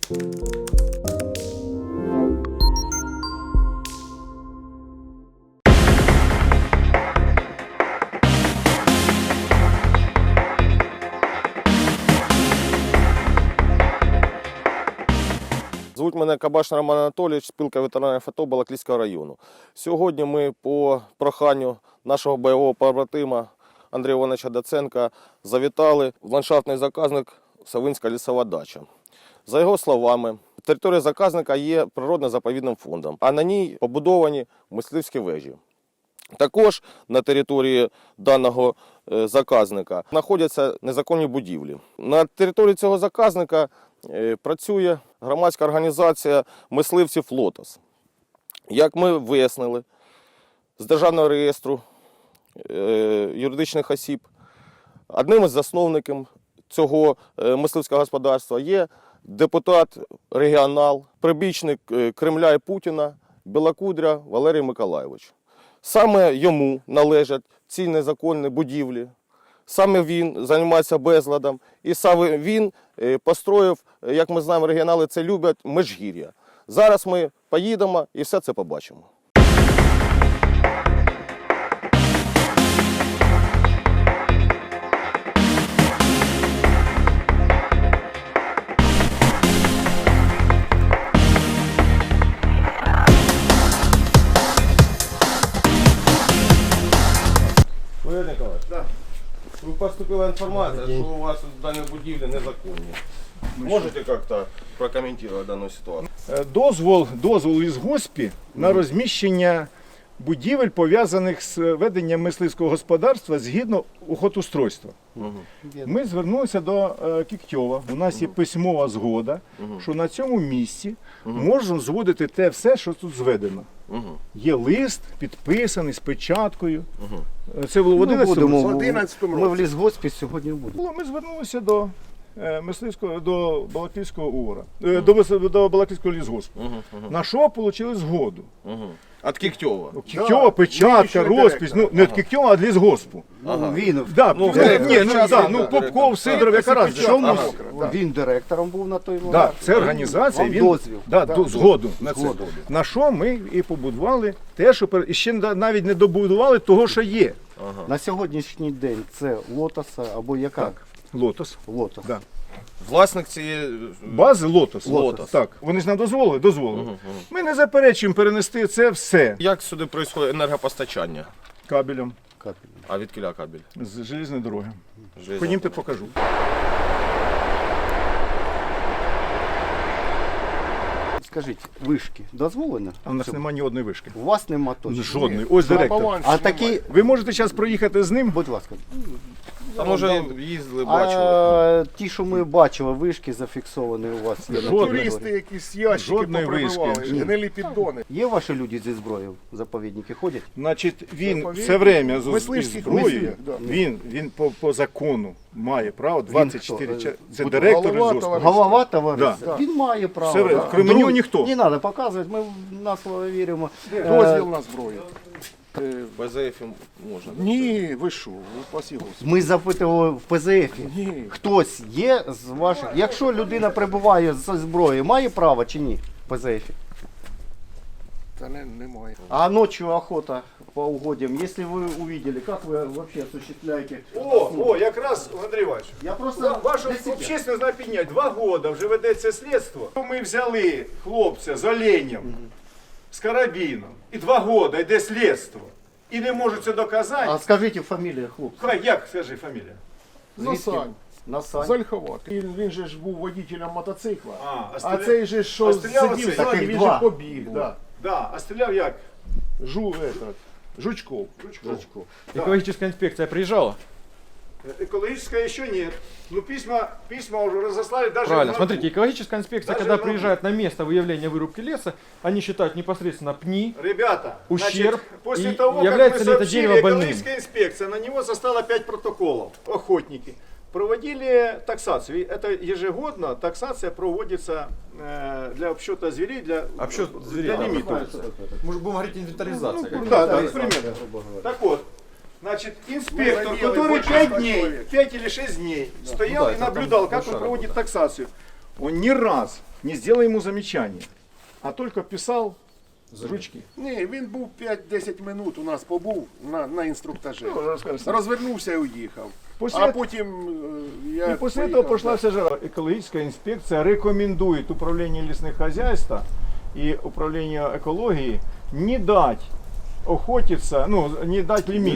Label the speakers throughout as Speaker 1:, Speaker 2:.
Speaker 1: Звуть мене Кабаш Роман Анатолійович, спілка ветеранів АТО Балаклійського району. Сьогодні ми по проханню нашого бойового побратима Андрія Івановича Доценка завітали в ландшафтний заказник Савинська лісова дача. За його словами, територія заказника є природно-заповідним фондом, а на ній побудовані мисливські вежі. Також на території даного заказника знаходяться незаконні будівлі. На території цього заказника працює громадська організація мисливців «Лотос». Як ми вияснили, з Державного реєстру юридичних осіб, одним із засновників цього мисливського господарства є депутат-регіонал, прибічник Кремля і Путіна Білокудря Валерій Миколайович. Саме йому належать ці незаконні будівлі. Саме він займається безладом, і саме він построїв, як ми знаємо, регіонали це люблять, Межгір'я. Зараз ми поїдемо і все це побачимо. Валерій Николаевич, да. Поступила інформація, що у вас дані будівлі незаконні. Можете як-то прокоментувати дану ситуацію?
Speaker 2: Дозвол із госпі на розміщення будівель, пов'язаних з веденням мисливського господарства згідно охотустройства. Ми звернулися до Кіктьова. У нас є письмова згода, що на цьому місці можна зводити те все, що тут зведено. Є лист, підписаний з печаткою. Це було в 11-му.
Speaker 3: Ми в лісгоспі сьогодні будемо.
Speaker 2: Ми звернулися до до Балаклійського УОРа, до Балаклійського лісгоспу. На що отримали згоду?
Speaker 1: Від Кіктьова?
Speaker 2: Кіктьова, печатка, розпис, ну не від Кіктьова, а від лісгоспу.
Speaker 3: Він,
Speaker 2: Попков, Сидоров, яка разниця?
Speaker 3: він директором був на той момент.
Speaker 2: Так, це організація, він згоду на це.
Speaker 3: Згоду.
Speaker 2: На що ми і побудували те, що і ще навіть не добудували того, що є.
Speaker 3: На сьогоднішній день це Лотоса або яка?
Speaker 2: Так. Лотос.
Speaker 3: Лотос.
Speaker 2: Да.
Speaker 1: Власник цієї
Speaker 2: бази Лотос.
Speaker 1: Лотос.
Speaker 2: Так. Вони ж нам дозволили. Ми не заперечуємо перенести це все.
Speaker 1: Як сюди відбувається енергопостачання?
Speaker 2: Кабелем.
Speaker 1: А від кіля кабель?
Speaker 2: З железної дороги. Ходімте, покажу.
Speaker 3: Скажіть, вишки дозволені?
Speaker 2: А у нас немає ні одної вишки.
Speaker 3: У вас нема точно?
Speaker 2: Жодної. Ось директор.
Speaker 3: А такі,
Speaker 2: Ви можете зараз проїхати з ним?
Speaker 3: будь ласка.
Speaker 1: А може їздили, бачили?
Speaker 3: А ті, що ми бачили, вишки зафіксовані у вас є? на
Speaker 2: Жодної.
Speaker 4: Туристи якісь ящики
Speaker 2: Жодної
Speaker 4: поприбивали,
Speaker 2: вишки.
Speaker 4: гнилі піддони.
Speaker 3: Є ваші люди зі зброєю в заповідники ходять?
Speaker 2: Значить, він
Speaker 4: Заповідник.
Speaker 2: все время з
Speaker 4: Мисливських
Speaker 2: зброєю,
Speaker 4: мисливців, да.
Speaker 2: він по закону має право 24
Speaker 3: хто?
Speaker 2: часи. Це
Speaker 3: Буде
Speaker 2: директор
Speaker 4: голова
Speaker 2: лісгоспу.
Speaker 3: Голова товариства?
Speaker 2: Да.
Speaker 3: Він має право.
Speaker 2: Все,
Speaker 3: да.
Speaker 2: крім нього ніхто.
Speaker 3: Не треба показувати, ми на слово віримо.
Speaker 4: Дозвіл на зброю.
Speaker 1: БЗФ можна?
Speaker 4: Ні, ви що, ви пасігу.
Speaker 3: Ми запитували в ПЗФ.
Speaker 4: Ні.
Speaker 3: Хтось є з ваших. Якщо людина перебуває зі зброєю, має право чи ні? В ПЗФ.
Speaker 4: Та немає.
Speaker 3: А ночью охота по угодьям. Если вы увидели, как вы вообще осуществляете?
Speaker 2: О, якраз, Андрій Іванович.
Speaker 3: Я просто
Speaker 2: Вашу
Speaker 3: для себя.
Speaker 2: общественность знає підняти. 2 роки вже ведеться слідство. Ми взяли хлопця з оленем, з карабіном, і 2 роки йде слідство. І не можуть це доказати.
Speaker 3: А скажите фамилию хлопца.
Speaker 2: Хай, як, скажи фамілія?
Speaker 4: Насань.
Speaker 3: Насань.
Speaker 4: Зальховат. Він же ж був водителем мотоцикла.
Speaker 2: А
Speaker 4: Цей же ж, що
Speaker 2: стріляв
Speaker 4: сидів
Speaker 2: оцей?
Speaker 4: ззаді,
Speaker 3: Таких
Speaker 4: він
Speaker 3: два.
Speaker 4: же побіг. Да.
Speaker 2: Да, а стріляв як?
Speaker 4: Жучков.
Speaker 3: Жучков.
Speaker 5: Экологическая инспекция приезжала?
Speaker 2: Экологическая еще нет. Ну письма уже разослали даже...
Speaker 5: Правильно. Смотрите, экологическая инспекция,
Speaker 2: Даже
Speaker 5: когда
Speaker 2: на-
Speaker 5: приезжает на место выявления вырубки леса, они считают непосредственно пни.
Speaker 2: Ребята,
Speaker 5: Ущерб.
Speaker 2: значит, после
Speaker 5: И
Speaker 2: того,
Speaker 5: является
Speaker 2: как
Speaker 5: ли
Speaker 2: мы
Speaker 5: это
Speaker 2: сообщили,
Speaker 5: дерево больным?
Speaker 2: экологическая инспекция, на него составила 5 протоколов. Охотники проводили таксацию. И это ежегодно таксация проводится для обсчета зверей, для
Speaker 5: Обсчет зверей.
Speaker 2: для лимитов.
Speaker 5: Мы же будем говорить инвентаризация.
Speaker 2: Да, примерно. Так вот, значит, инспектор, который 5 или 6 дней стоял и наблюдал, как он проводит таксацию, он ни раз не сделал ему замечания, а только писал с ручки.
Speaker 4: Ні, він був 5-10 минут у нас побув на інструктажі.
Speaker 2: Ну, розкажи.
Speaker 4: Розвернувся і уїхав.
Speaker 2: После
Speaker 4: А потім я
Speaker 2: И после
Speaker 4: поїхав,
Speaker 2: этого пошла
Speaker 4: да.
Speaker 2: вся жара. Экологическая инспекция рекомендует управлению лесных хозяйств и управлению экологии не дать охотиться, ну, не дать лимит.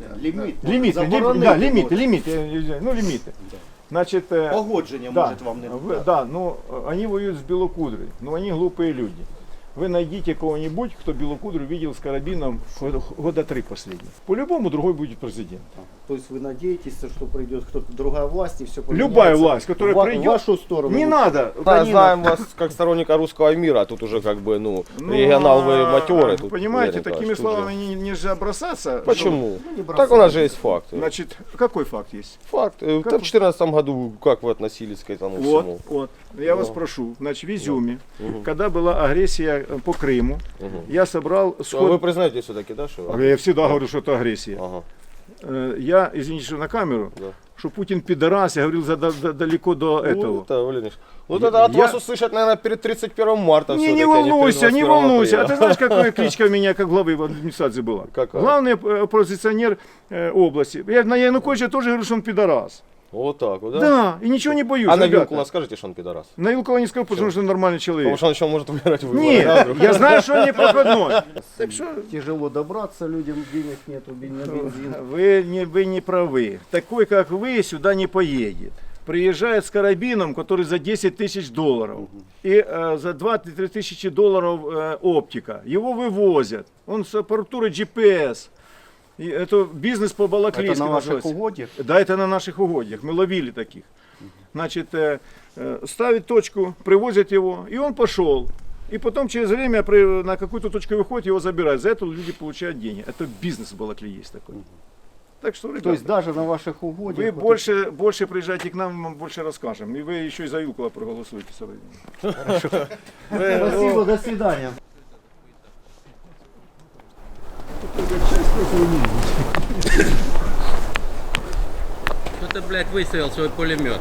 Speaker 2: Лимиты. Значит,
Speaker 3: Погодження
Speaker 2: да,
Speaker 3: може вам не
Speaker 2: да, ну, они воюют с белокудрой, но они глупые люди. Вы найдите кого-нибудь, кто белокудру видел с карабином года 3 последних. По-любому другой будет президент.
Speaker 3: То есть вы надеетесь, что придет кто-то, другая власть и все поменяется?
Speaker 2: Любая власть, которая
Speaker 3: в
Speaker 2: придет,
Speaker 3: вашу сторону.
Speaker 2: не надо.
Speaker 1: Да, знаем вас как сторонника русского мира, а тут уже как бы, ну, регионал вы матерый. Тут,
Speaker 2: понимаете,
Speaker 1: Валерий
Speaker 2: такими
Speaker 1: Николаевич, тут
Speaker 2: словами
Speaker 1: же.
Speaker 2: нельзя бросаться.
Speaker 1: Почему?
Speaker 3: не
Speaker 1: Так у нас же есть факты.
Speaker 2: Значит, какой факт есть?
Speaker 1: Факт. В 2014 году как вы относились к этому всему?
Speaker 2: Вот. Я вас прошу. Значит, в Изюме, когда была агрессия по Крыму, я собрал
Speaker 1: А
Speaker 2: сход...
Speaker 1: вы признаете все-таки, да, что?
Speaker 2: Я всегда говорю, что это агрессия.
Speaker 1: Ага.
Speaker 2: Я, извините, что на камеру,
Speaker 1: Да.
Speaker 2: что Путин пидорас, я говорил далеко до этого.
Speaker 1: Вот это, Валерий Ильич. Вот это от
Speaker 2: Я-
Speaker 1: вас услышать, наверное, перед 31 марта.
Speaker 2: Не
Speaker 1: всё-таки,
Speaker 2: волнуйся,
Speaker 1: а не
Speaker 2: не
Speaker 1: перед 21
Speaker 2: волнуйся. А
Speaker 1: апреля.
Speaker 2: ты знаешь, какая кличка у меня как главы администрации была?
Speaker 1: Какая?
Speaker 2: Главный оппозиционер области. Я на Януковича тоже говорю, что он пидорас.
Speaker 1: Вот так вот, да?
Speaker 2: Да, и ничего не боюсь.
Speaker 1: А на
Speaker 2: ребята.
Speaker 1: Вилкула скажете, что он пидорас?
Speaker 2: На Вилкула не скажу, потому что он нормальный человек.
Speaker 1: Потому что он еще может выиграть выборы.
Speaker 2: Нет,
Speaker 1: да, вдруг?
Speaker 2: я знаю, что он не проходной. Так что
Speaker 3: Тяжело добраться, людям денег нету, на бензин.
Speaker 2: вы не правы. Такой, как вы, сюда не поедет. Приезжает с карабином, который за 10 тысяч долларов. И за 2-3 тысячи долларов оптика. Его вывозят. Он с аппаратурой GPS. И это бизнес по Балаклейске
Speaker 3: Это на ваших
Speaker 2: называется.
Speaker 3: угодьях?
Speaker 2: Да, это на наших угодьях. Мы ловили таких. Значит, ставят точку, привозят его, и он пошел. И потом через время на какую-то точку выходит, его забирают. За это люди получают деньги. Это бизнес в Балаклее есть такой. Так что, ребята,
Speaker 3: То есть даже на ваших угодьях.
Speaker 2: вы больше приезжайте к нам, мы вам больше расскажем. И вы еще и за Вилкула проголосуете. со временем.
Speaker 3: Спасибо, до свидания.
Speaker 6: Кто-то, блядь, выставил свой пулемет.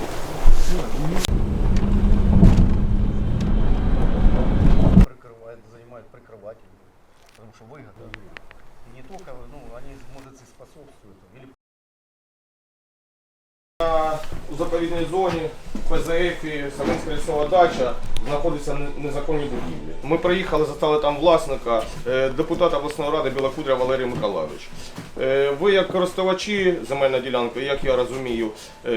Speaker 3: Занимают прикрывателей, потому что выгодно. И не только, ну, они, может, и способствуют. Или
Speaker 1: У заповідній зоні, ПЗФ і Саминська лісова дача знаходяться незаконні будівлі. Ми приїхали, застали там власника, депутата обласної ради Білокудря Валерій Миколайович. Ви як користувачі земельної ділянки, як я розумію,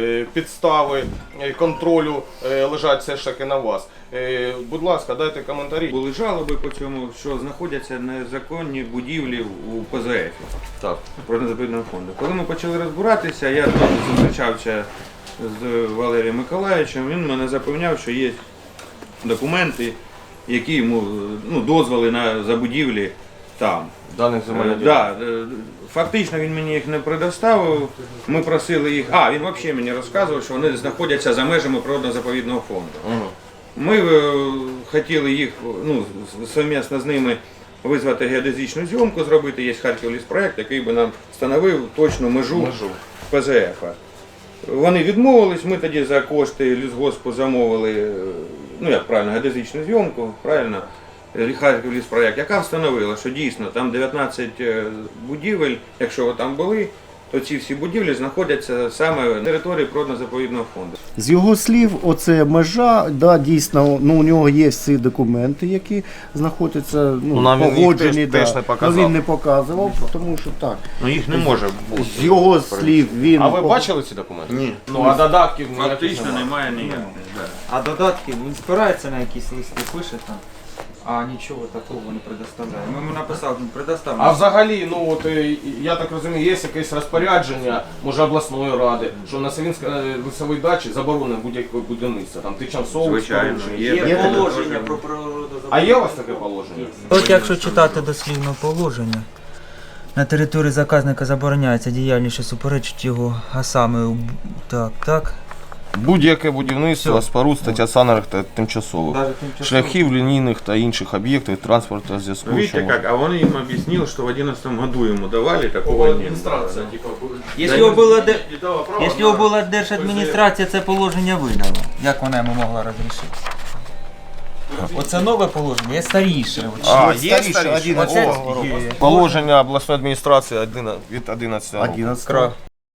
Speaker 1: підстави контролю лежать все ж таки на вас. Будь ласка, дайте коментарі.
Speaker 7: Були жалоби по цьому, що знаходяться незаконні будівлі у ПЗФ
Speaker 1: Так.
Speaker 7: природно-заповідного фонду. Коли ми почали розбиратися, я теж зустрічався з Валерієм Миколайовичем, він мене запевняв, що є документи, які йому дозволи на забудівлі там.
Speaker 1: Даних земельних
Speaker 7: Да, фактично він мені їх не предоставив. Ми просили їх. Він взагалі мені розказував, що вони знаходяться за межами природно-заповідного фонду. Ми хотіли їх совмісно з ними визвати геодезичну зйомку, зробити. Є Харківліспроект, який би нам встановив точну межу ПЗФ. Вони відмовились, ми тоді за кошти лісгоспу замовили, як правильно, геодезичну зйомку, правильно, Харківліспроект, яка встановила, що дійсно там 19 будівель, якщо ви там були, то ці всі будівлі знаходяться саме на території природно-заповідного фонду.
Speaker 3: з його слів, оце межа, да, дійсно, у нього є всі документи, які знаходяться,
Speaker 1: нам він їх
Speaker 3: погоджені,
Speaker 1: теж не показав.
Speaker 3: він не показував, тому що так.
Speaker 7: Їх не може бути.
Speaker 3: З його слів він...
Speaker 1: А ви бачили ці документи?
Speaker 7: Ні.
Speaker 1: Ну, а додатків
Speaker 7: Фактично немає ніяких.
Speaker 8: А додатки, він спирається на якісь листи, пише там, а нічого такого не предоставляє. Ми йому написали, предоставимо.
Speaker 1: А взагалі, я так розумію, є якесь розпорядження, може, обласної ради, що на Савінській лісовій дачі заборонено будь-яке будівництво, там тичансове,
Speaker 7: Звичайно, є.
Speaker 8: Є
Speaker 7: таке
Speaker 8: положення про природу.
Speaker 1: А є у вас таке положення?
Speaker 9: От якщо читати дослівно положення, на території заказника забороняється діяльність, що суперечить його, а саме так.
Speaker 1: Будь-яке будівництво, споруд, стаття санерих та тимчасових.
Speaker 9: Даже тимчасово.
Speaker 1: Шляхів, лінійних та інших об'єктів транспорту зв'язку.
Speaker 7: Видите как? А он им объяснил, что в 2011 году ему давали такого не было.
Speaker 9: Якщо його була держадміністрація, це положення видала. Як вона йому могла розрішити? Оце нове положення, є старіше.
Speaker 1: Є старіше?
Speaker 9: Оце
Speaker 1: Положення обласної адміністрації від 11 року.
Speaker 3: 11.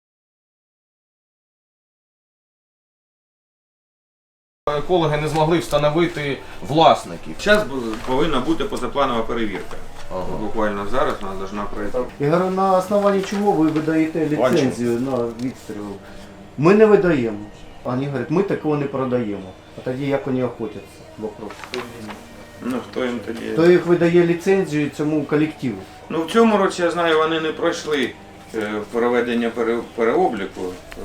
Speaker 1: Екологи не змогли встановити власників.
Speaker 7: Зараз повинна бути позапланова перевірка. Буквально зараз вона повинна пройти.
Speaker 3: Я говорю, на основанні чого ви видаєте ліцензію на відстріл? Ми не видаємо. А вони говорять, ми такого не продаємо. А тоді як вони охотяться? Вопрос.
Speaker 7: Ну хто їм тоді?
Speaker 3: Хто їх видає ліцензію цьому колективу?
Speaker 7: Ну в цьому році, я знаю, вони не пройшли проведення переобліку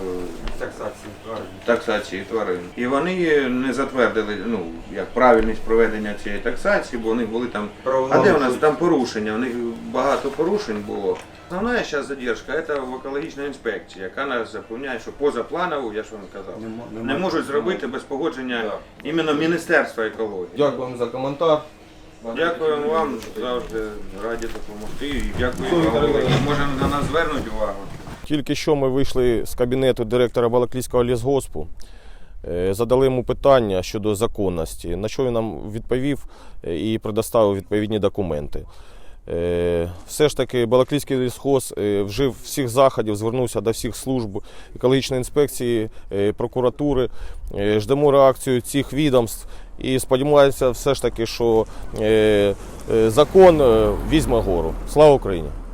Speaker 7: таксації тварин. І вони не затвердили як правильність проведення цієї таксації, бо у них були там. А де у нас там порушення? У них багато порушень було. Основна зараз задержка це в екологічна інспекція, яка нас запевняє, що позапланову, я ж вам казав, не можуть зробити без погодження іменно Міністерства екології.
Speaker 1: Дякуємо за коментар.
Speaker 7: Дякуємо вам, завжди раді допомогти. І дякую вам. Може на нас звернуть увагу.
Speaker 1: Тільки що ми вийшли з кабінету директора Балаклійського лісгоспу, задали йому питання щодо законності, на що він нам відповів і предоставив відповідні документи. Все ж таки Балаклійський лісгосп вжив всіх заходів, звернувся до всіх служб екологічної інспекції, прокуратури. Ждемо реакцію цих відомств і сподіваємося все ж таки, що закон візьме гору. Слава Україні!